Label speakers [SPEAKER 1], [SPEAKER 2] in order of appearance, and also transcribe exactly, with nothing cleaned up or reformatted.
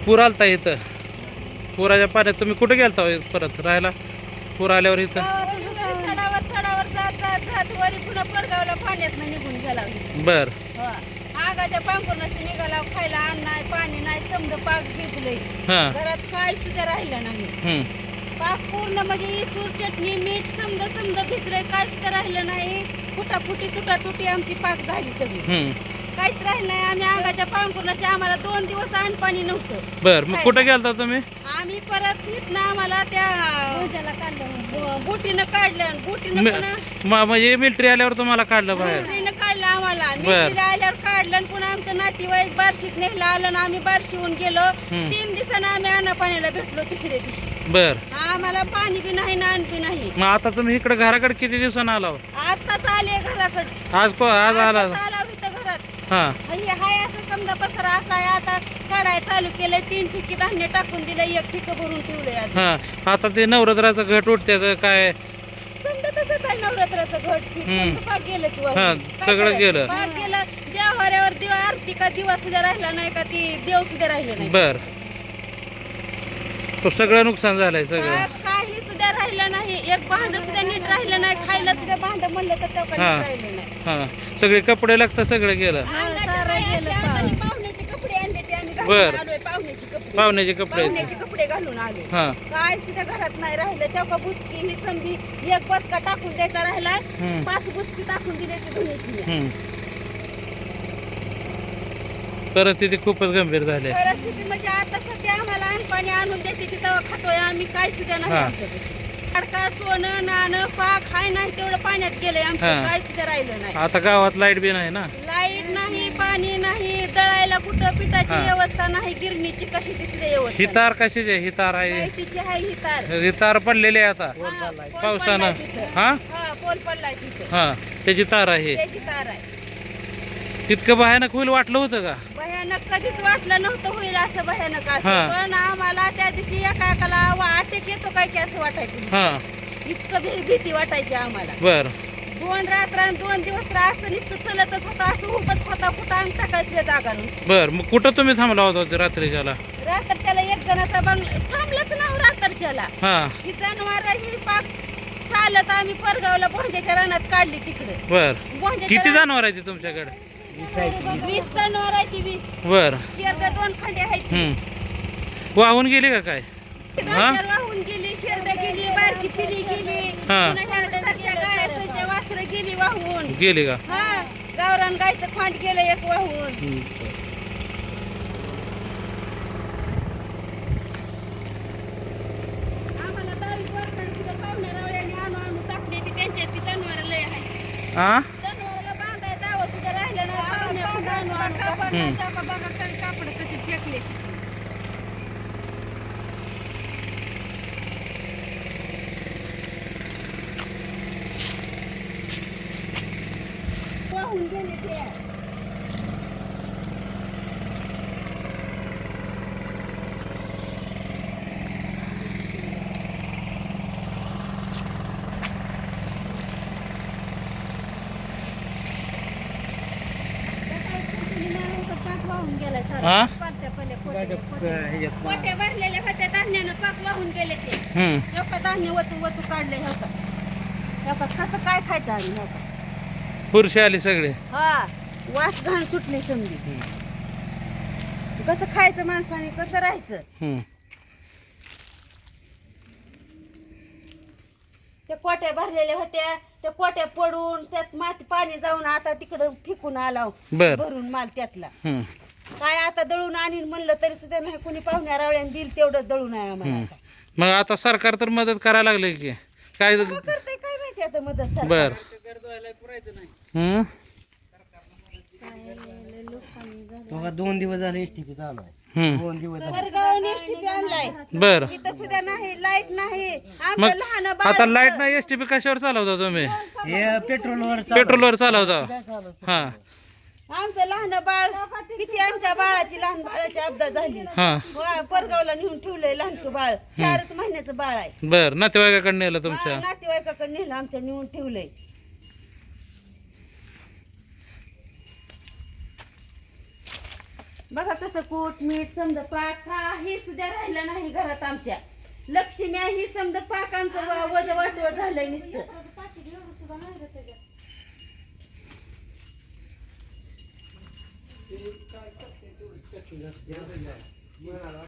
[SPEAKER 1] पूर आलता इथं, पुराच्या पाण्यात तुम्ही कुठे गेलता हो परत राहायला पूर आल्यावर इथं?
[SPEAKER 2] चढावर चढावर जात जात जात वरी पुन्हा परगावला पाण्यात निघून गेला.
[SPEAKER 1] बर
[SPEAKER 2] आगाच्या पांघरुणाशी निघाला, खायला अन्न नाही पाणी नाही, समज पाक भिजलंय,
[SPEAKER 1] हा
[SPEAKER 2] घरात काय सुद्धा राहिलं नाही.
[SPEAKER 1] हम्म
[SPEAKER 2] पाक पूर्ण म्हणजे इसूर चटणी मीठ समजा समजा भिजलंय, काय सुद्धा राहिलं नाही. फुटाफुटी तुटाटुटी आमची पाक झाली सगळी,
[SPEAKER 1] हम्म
[SPEAKER 2] काहीच राहिलं नाही. आम्ही आगाच्या पांघरुणाशी आम्हाला दोन दिवस अन्न पाणी नव्हतं.
[SPEAKER 1] बर मग कुठे गेलता तुम्ही?
[SPEAKER 2] आम्ही परत इथनं आम्हाला त्या काढलं, बोटीनं काढलं, बोटीनं पुन्हा
[SPEAKER 1] म- म्हणजे मिलिटरी आल्यावर तुम्हाला काढलं बाहेर?
[SPEAKER 2] मिलिटरीनं काढलं आम्हाला.
[SPEAKER 1] बर.
[SPEAKER 2] मिलिटरी आल्यावर काढलं आणि पुन्हा आमचं नातेवाईक बार्शीत नेहला आलं आणि आम्ही बार्शीहून गेलो.
[SPEAKER 1] हम्म.
[SPEAKER 2] तीन दिवसानं आम्ही अन्न पाण्याला भेटलो तिसऱ्या दिवशी.
[SPEAKER 1] बर
[SPEAKER 2] आम्हाला पाणी बी नाही ना अन्न बी नाही.
[SPEAKER 1] मग आता तुम्ही इकडे घराकडे किती दिवसानं आला हो?
[SPEAKER 2] आताच आले घराकडे,
[SPEAKER 1] आज को आज आला?
[SPEAKER 2] आताच आला इथं घरात.
[SPEAKER 1] हा
[SPEAKER 2] हे हाय असं समजा पसरा असा आहे. आता काढाय चालू केलंय, तीन ठिकी धान्य टाकून दिलंय, एक ठिक भरून ठेवलंय. आज
[SPEAKER 1] हा आता ते नवरात्राचं घट उठते काय?
[SPEAKER 2] समजा तसंच आहे नवरात्राचं घट फिट.
[SPEAKER 1] हम्म.
[SPEAKER 2] समजा पाक गेलं किंवा
[SPEAKER 1] हा,
[SPEAKER 2] काय
[SPEAKER 1] सगळं
[SPEAKER 2] करायचं?
[SPEAKER 1] गेलं.
[SPEAKER 2] पाक गेलं. देवाऱ्यावर दिवा आरती का दिवा सुद्धा राहिला नाही का, ती देव सुद्धा राहिलं नाही.
[SPEAKER 1] बर तो सगळं नुकसान झालंय सगळं.
[SPEAKER 2] का- काही सुद्धा राहिलं नाही. एक भांड सुद्धा नीट राहिलं नाही. खायला सुद्धा भांड म्हणलं तर तेव्हा
[SPEAKER 1] हा.
[SPEAKER 2] नीट राहिलं नाही.
[SPEAKER 1] हा सगळे कपडे लागतं सगळं गेलं.
[SPEAKER 2] हा, सारं गेलं पाक. पाहुण्याचे कपडे आणले ते आम्ही घालून
[SPEAKER 1] बर.
[SPEAKER 2] आलोय. पाहुण्याचे कपडे
[SPEAKER 1] पाहुण्याचे कपडे आहेत.
[SPEAKER 2] पाहुण्याचे कपडे घालून आले.
[SPEAKER 1] हा
[SPEAKER 2] काय सुद्धा घरात नाही राहिलं. तेव्हा बुचकी ही समजी एक बचका टाकून द्यायचा राहिला,
[SPEAKER 1] हम्म.
[SPEAKER 2] पाच बुचकी टाकून दिली ती धुण्याची.
[SPEAKER 1] हम्म परिस्थिती खूपच गंभीर झाली आहे.
[SPEAKER 2] परिस्थिती म्हणजे आता सध्या आम्हाला अन्न पाणी आणून देते ती तेव्हा खातोय आम्ही, काय सुद्धा नाही
[SPEAKER 1] हा.
[SPEAKER 2] आमच्यापाशी. अडका सोनं नाणं पाक हाय नाही तेवढं पाण्यात गेलंय आमचं,
[SPEAKER 1] हा.
[SPEAKER 2] काय सुद्धा राहिलं नाही.
[SPEAKER 1] आता गावात लाईट बी नाही ना.
[SPEAKER 2] लाईट नाही, पाणी नाही, दळायला कुठं पिठाची
[SPEAKER 1] हा.
[SPEAKER 2] व्यवस्था नाही, गिरणीची कशाची सुद्धा
[SPEAKER 1] ही
[SPEAKER 2] व्यवस्था
[SPEAKER 1] तार कशीच आहे? ही तार आहे,
[SPEAKER 2] लाईटीची आहे ही तार.
[SPEAKER 1] ही तार पडलेली आहे आता
[SPEAKER 2] हा, पोल
[SPEAKER 1] पावसानं.
[SPEAKER 2] पडलाय तिथं.
[SPEAKER 1] हा
[SPEAKER 2] हा, पोल पडलाय तिथं,
[SPEAKER 1] हा त्याची तार आहे.
[SPEAKER 2] त्याची तार आहे.
[SPEAKER 1] तितकं भयानक होईल वाटलं होतं का?
[SPEAKER 2] भयानक कधीच वाटलं नव्हतं होईल असं भयानक
[SPEAKER 1] हा.
[SPEAKER 2] असं, पण आम्हाला त्या दिवशी एका एकाला वा- अटक येतो काय की असं वाटायचं.
[SPEAKER 1] हा
[SPEAKER 2] इतकं भी- भीती वाटायची आम्हाला.
[SPEAKER 1] बर
[SPEAKER 2] दोन रात्र आणि दोन दिवस तर असं नुसतं चलतच होतं, असं उभंच होता, कुठं अंग टाकायचं जागा नव्हती.
[SPEAKER 1] बर मग कुठं तुम्ही थांबला होता ते रात्रीच्याला?
[SPEAKER 2] रात्रच्याला एक जणाचा बंगला थांबलंच नाव रात्रच्याला.
[SPEAKER 1] हा
[SPEAKER 2] ही जनावर ही पाक चालत आम्ही परगावला भोंज्याच्या रानात काढली तिकडे.
[SPEAKER 1] बर
[SPEAKER 2] भोंज्याच्या
[SPEAKER 1] किती
[SPEAKER 2] रानात
[SPEAKER 1] जनावर आहे ते तुमच्याकडे?
[SPEAKER 2] वीस जनावर आहे ती, वीस
[SPEAKER 1] बर
[SPEAKER 2] शेरडा दोन खंडे आहेत ती.
[SPEAKER 1] हम्म वाहून गेली का काय?
[SPEAKER 2] दोन
[SPEAKER 1] हा?
[SPEAKER 2] चार वाहून गेली, शेरडा गेली, बारकी पिली गेली,
[SPEAKER 1] हा.
[SPEAKER 2] पुन्हा ह्या दरशा गायाचं वासरं गेली वाहून.
[SPEAKER 1] गेली का?
[SPEAKER 2] हा, गावरान गायचं खांड गेलं एक वाहून. आम्हाला दहावी वर्षांनी सुद्धा पाहुण्या रावळ्याने आणू आणू टाकली ती, त्यांच्यात ती जनावरं लय आहे.
[SPEAKER 1] हा
[SPEAKER 2] जनावराला बांधाय दावं सुद्धा राहिलं नाही. पाहुण्या कुठं आणू आणू टाकली.
[SPEAKER 1] हम्म.
[SPEAKER 2] बघा तरी कापड कशी फेकले. वाहून गेले ते. पाक वाहून गेलाय सारा.
[SPEAKER 1] हा?
[SPEAKER 2] पाट्या पहिले कोट्या- कोट्या कोट्या भरलेल्या होत्या धान्यानं, पाक वाहून गेले ते.
[SPEAKER 1] हम्म
[SPEAKER 2] हे का धान्य वतू वतू काढले, हे का हे का कसं काय खायचं आम्ही, हे का
[SPEAKER 1] पुरुष आली सगळे.
[SPEAKER 2] हा, वास घाण सुटली समजी. कसं खायचं माणसाने, कसं राहायचं?
[SPEAKER 1] हम्म
[SPEAKER 2] त्या कोट्या भरलेल्या होत्या, त्या कोट्या पडून त्यात माती पाणी जाऊन आता तिकडं फेकून आला
[SPEAKER 1] बर.
[SPEAKER 2] भरून माल त्यातला.
[SPEAKER 1] हम्म
[SPEAKER 2] काय आता दळून आणीन म्हणलं तरी सुद्धा नाही, कोणी पाहुण्या रावळ्याने दिल तेवढं दळून आहे आम्हाला.
[SPEAKER 1] हम्म.
[SPEAKER 2] आता.
[SPEAKER 1] मग आता सरकार तर मदत करायला लागले की काय?
[SPEAKER 2] काय करतंय काय माहिती आता मदत सरकार.
[SPEAKER 1] बर हम्म
[SPEAKER 3] बघा दोन दिवस झाले एसटीपी चालू आहे.
[SPEAKER 1] हम्म
[SPEAKER 3] दोन दिवस झाले.
[SPEAKER 2] परगावून एसटीपी आणलाय,
[SPEAKER 1] बर
[SPEAKER 2] इथं सुद्धा नाही, लाईट नाही.
[SPEAKER 1] मग
[SPEAKER 2] आमचं लहान बाळ
[SPEAKER 1] आता लाईट
[SPEAKER 2] होतं.
[SPEAKER 1] नाही, एसटीपी कशावर चालवता तुम्ही?
[SPEAKER 3] हे पेट्रोलवर चालू आहे.
[SPEAKER 1] पेट्रोलवर चालवता? हा
[SPEAKER 2] आमचं लहान बाळ किती, आमच्या बाळाची लहान बाळाची अपघात झाली.
[SPEAKER 1] हा
[SPEAKER 2] वा, परगावला नेऊन ठेवलंय लहानक बाळ, चारच महिन्याचं बाळ आहे.
[SPEAKER 1] बर नातेवाईकाकडे नेलं
[SPEAKER 2] हा,
[SPEAKER 1] तुमच्या?
[SPEAKER 2] नातेवाईकाकडे नेलं आमच्या, नेऊन ठेवलंय. बघा कसं कूट मीठ समजा पाक काही सुद्धा राहिलं नाही घरात आमच्या. लक्ष्मी ही समजा पाक आमचं वज वाटवं झालंय नुसतं.